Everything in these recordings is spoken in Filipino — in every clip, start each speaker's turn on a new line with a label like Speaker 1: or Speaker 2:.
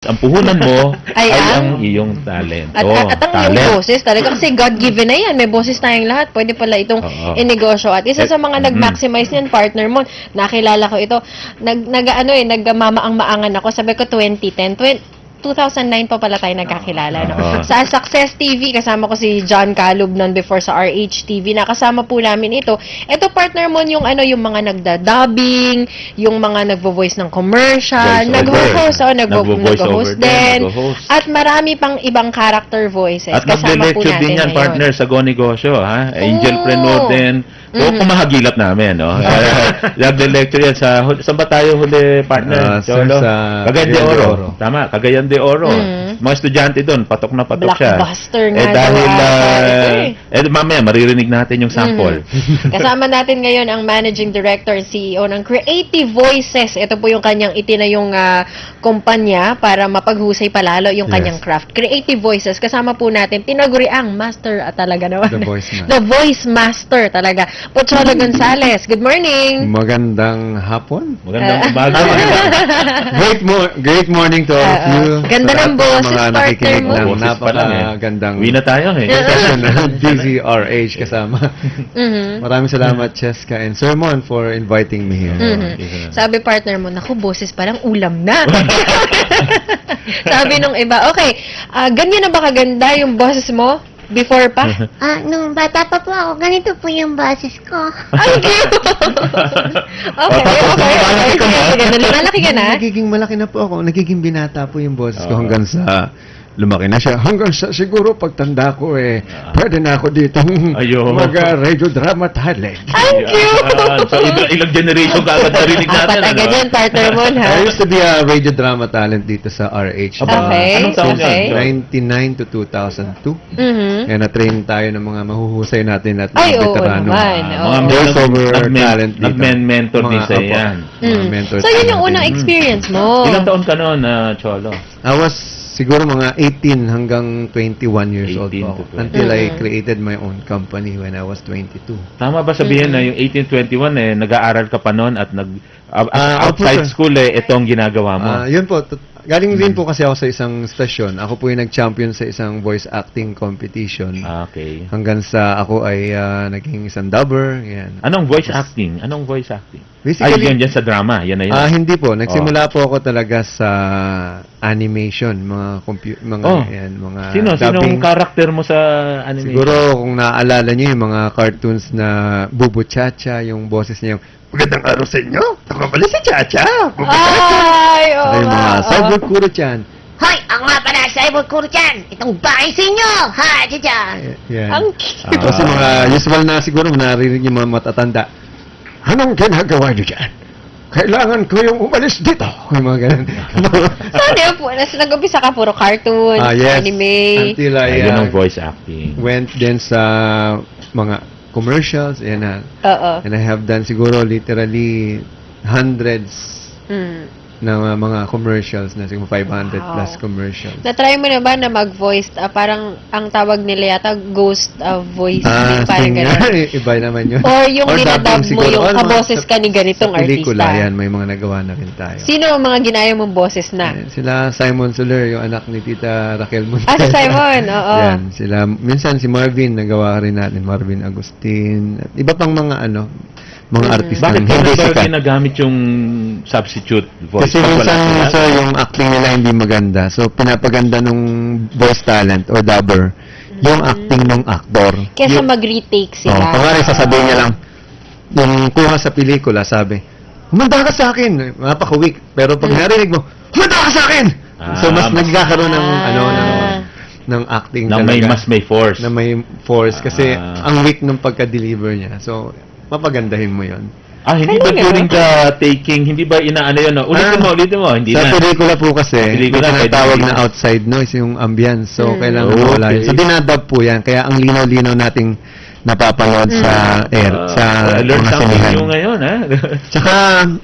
Speaker 1: Ang puhunan mo
Speaker 2: Ay,
Speaker 1: ay
Speaker 2: ang-
Speaker 1: ang iyong talent.
Speaker 2: At ang iyong boses talaga kasi God-given na yan. May boses tayong lahat. Pwede pala itong
Speaker 1: Oo.
Speaker 2: inegosyo. At isa sa mga nag-maximize niyan, partner mo, nakilala ko ito. Nagmamaang-maangan ako. Sabi ko 2009 pa pala tayo nagkakilala. No?
Speaker 1: Oo.
Speaker 2: Sa Success TV, kasama ko si John Calub noon before sa RH TV. Nakasama po namin ito. Ito, partner mo, yung yung mga nagda-dubbing, yung mga nagvo-voice ng commercial,
Speaker 1: Voice-over.
Speaker 2: nagvo-host din.
Speaker 1: Nagvo-host.
Speaker 2: At marami pang ibang character voices.
Speaker 1: At
Speaker 2: Kasama po
Speaker 1: nag-lecture
Speaker 2: natin
Speaker 1: din yan,
Speaker 2: ngayon.
Speaker 1: partner, sa Go Negosyo, ha? Angelpreneur
Speaker 2: Oo.
Speaker 1: din. So, kumahagilap namin, no? Nag-lecture yan sa... Saan ba tayo huli, partner?
Speaker 3: Sir,
Speaker 1: Cholo?
Speaker 3: sa
Speaker 1: Cagayan de
Speaker 3: Cagayan de
Speaker 1: Oro.
Speaker 3: Oro.
Speaker 1: Tama, Cagayan de Oro. Mga estudyante doon, patok na patok siya.
Speaker 2: Blockbuster nga
Speaker 1: Dahil,
Speaker 2: daw ata ito
Speaker 1: mamaya, maririnig natin yung sample.
Speaker 2: Kasama natin ngayon ang Managing Director and CEO ng Creative Voices. Ito po yung kanyang itinayong kumpanya para mapaghusay palalo yung
Speaker 3: Yes.
Speaker 2: kanyang craft. Creative Voices. Kasama po natin, tinaguriang master talaga naman.
Speaker 3: The Voice Master.
Speaker 2: The Voice Master talaga. Pocholo Gonzales, good morning!
Speaker 3: Magandang hapon.
Speaker 1: Magandang umaga.
Speaker 3: Great morning to all of you.
Speaker 2: Ganda
Speaker 3: Sa
Speaker 2: ng
Speaker 3: lahat
Speaker 2: boses,
Speaker 3: mga
Speaker 2: partner
Speaker 3: nakikinig
Speaker 2: mo.
Speaker 3: ng
Speaker 1: Boses pa lang,
Speaker 3: napakagandang
Speaker 1: Uwi na tayo, eh.
Speaker 3: session ng DZRH kasama.
Speaker 2: Mhm.
Speaker 3: Maraming salamat, Cheska and Sir Mon, for inviting me here.
Speaker 2: Mhm. Sabi partner mo, naku, boses parang ulam na. Sabi nung iba, okay, ganyan na ba kaganda yung boses mo before pa?
Speaker 4: Nung bata pa po ako, ganito po yung boses ko.
Speaker 2: Ang cute! okay. Sige, lumalaki ka na?
Speaker 3: Nagiging malaki na po ako. Nagiging binata po yung boses ko hanggang sa lumaki na siya. Hanggang sa siguro pagtanda ko pwede na ako ditong
Speaker 1: Ayun.
Speaker 3: mag-radio drama talent.
Speaker 2: Ang cute!
Speaker 1: So, ilang generation ka agad narinig natin.
Speaker 2: Apat agad yan, partner mo, ha?
Speaker 3: I used to be a radio drama talent dito sa RH.
Speaker 2: Okay,
Speaker 1: Anong taon
Speaker 2: okay.
Speaker 1: yan?
Speaker 3: 99 to 2002.
Speaker 2: Mhm.
Speaker 3: Kaya na-train tayo ng mga mahuhusay natin at
Speaker 2: Ay,
Speaker 3: mga
Speaker 2: oo
Speaker 3: veterano.
Speaker 2: naman.
Speaker 1: Mga
Speaker 2: Oo.
Speaker 3: voiceover talent dito.
Speaker 1: Nag-mentor din
Speaker 3: Mga
Speaker 1: sa
Speaker 3: apo.
Speaker 1: yan.
Speaker 3: Mga mentors
Speaker 2: So, yun yung
Speaker 3: natin.
Speaker 2: unang experience mo.
Speaker 1: Ilang taon ka noon, Cholo?
Speaker 3: I was siguro mga 18 hanggang 21 years old
Speaker 1: 18
Speaker 3: po
Speaker 1: to
Speaker 3: ako.
Speaker 1: 20.
Speaker 3: Until I created my own company when I was 22.
Speaker 1: Tama ba sabihin na yung 1821 nag-aaral ka pa noon at outside
Speaker 3: opo, sir.
Speaker 1: school itong ginagawa mo?
Speaker 3: Yun po, galing din po kasi ako sa isang stasyon. Ako po yung nag-champion sa isang voice acting competition.
Speaker 1: Okay.
Speaker 3: Hanggang sa ako ay naging isang dubber. Yan.
Speaker 1: Anong voice acting? Anong voice acting?
Speaker 3: Basically,
Speaker 1: Ay, yan sa drama. Yan na yun.
Speaker 3: hindi po. Nagsimula po ako talaga sa animation, mga
Speaker 1: Sinong
Speaker 3: dubbing.
Speaker 1: karakter mo sa animation?
Speaker 3: Siguro kung naaalala niyo yung mga cartoons na Bubu Chacha, yung boses niya yung magandang araw sa inyo. Ako pala si Chacha. Bubu Chacha.
Speaker 2: Ay, oo
Speaker 3: Ay, mga
Speaker 2: nga.
Speaker 3: Cyber Kuro-chan.
Speaker 4: Hoy, ako nga pala, Cyber Kuro-chan. Itong bahay sa inyo. Ha, dyan.
Speaker 3: Yan.
Speaker 2: Ang cute.
Speaker 3: Kasi mga usual na siguro naririnig yung mga matatanda. Anong ginagawa niyo dyan? Kailangan ko yung umalis dito. Yung mga ganun.
Speaker 2: Saan yun po? Nag-umpisa ka puro cartoons,
Speaker 3: Yes.
Speaker 2: anime.
Speaker 3: Until I
Speaker 1: Ayun ang voice acting.
Speaker 3: went din sa mga commercials. Yan na.
Speaker 2: Oo.
Speaker 3: And I have done siguro literally hundreds
Speaker 2: Mm.
Speaker 3: ng mga commercials na siguro 500
Speaker 2: Wow.
Speaker 3: plus commercials.
Speaker 2: Na-try mo na ba na mag-voice, parang ang tawag nila yata, ghost voice, parang gano'n?
Speaker 3: Iba naman yun.
Speaker 2: Or yung dinadub
Speaker 3: dubbing
Speaker 2: mo,
Speaker 3: siguro.
Speaker 2: yung
Speaker 3: Mga
Speaker 2: kaboses ka ni ganitong
Speaker 3: sa pelikula,
Speaker 2: artista.
Speaker 3: yan, may mga nagawa na rin tayo.
Speaker 2: Sino ang mga ginaya mong boses na?
Speaker 3: Yan, sila Simon Soler, yung anak ni Tita Raquel Montes.
Speaker 2: Si Simon, oo.
Speaker 3: Yan, sila, minsan si Marvin, nagawa rin natin, Marvin Agustin, at iba pang mga mga artista
Speaker 1: Bakit
Speaker 3: hindi
Speaker 1: ba
Speaker 3: sikat.
Speaker 1: ginagamit yung substitute voice?
Speaker 3: Kasi
Speaker 1: Pag wala
Speaker 3: minsan
Speaker 1: sila?
Speaker 3: so, yung acting nila hindi maganda. So, pinapaganda nung voice talent or dubber yung acting ng actor.
Speaker 2: Kesa mag-retake sila.
Speaker 3: Kunwari, sasabihin niya lang, yung kuha sa pelikula, sabi, humanda ka sa akin. Napaka-weak. Pero pag narinig mo, humanda ka sa akin! So, mas nagkakaroon ng, ng acting
Speaker 1: na may force.
Speaker 3: na may force. Kasi,
Speaker 1: Ah.
Speaker 3: ang weak ng pagka-deliver niya. So, papagandahin mo yon.
Speaker 1: Hindi ba during the taking, hindi ba inaano yun? Ulitin mo. Hindi
Speaker 3: Sa
Speaker 1: na.
Speaker 3: pelikula po kasi,
Speaker 1: Pelikula,
Speaker 3: may tinatawag
Speaker 1: pwede
Speaker 3: na
Speaker 1: rin.
Speaker 3: outside noise, yung ambience. So, kailangan
Speaker 1: Okay.
Speaker 3: mawala yun. So, dinadub po yan. Kaya ang linaw-linaw nating napapanood sa air, sa
Speaker 1: learn
Speaker 3: mga
Speaker 1: something
Speaker 3: sinihan.
Speaker 1: new ngayon, ha?
Speaker 3: Tsaka,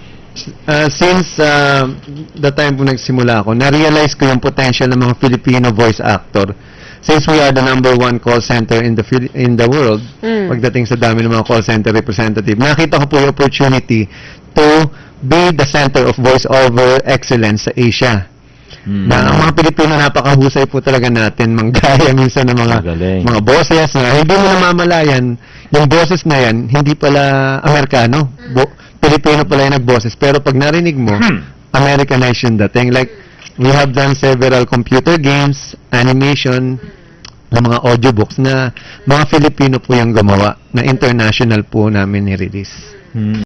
Speaker 3: since the time po nagsimula ako, na-realize ko yung potential ng mga Filipino voice actor. Since we are the #1 call center in the world, pagdating sa dami ng mga call center representative, nakita ko po yung opportunity to be the center of voice-over excellence sa Asia. Na ang mga Pilipino napakahusay po talaga natin manggaya minsan ng
Speaker 1: Magaling.
Speaker 3: mga boses na hindi mo namamalayan, yung boses na yan, hindi pala Amerikano. Pilipino pala yung nagboses. Pero pag narinig mo, Americanized yung dating. Like, we have done several computer games, animation, na mga audiobooks na mga Filipino po yung gumawa, na international po namin ni-release.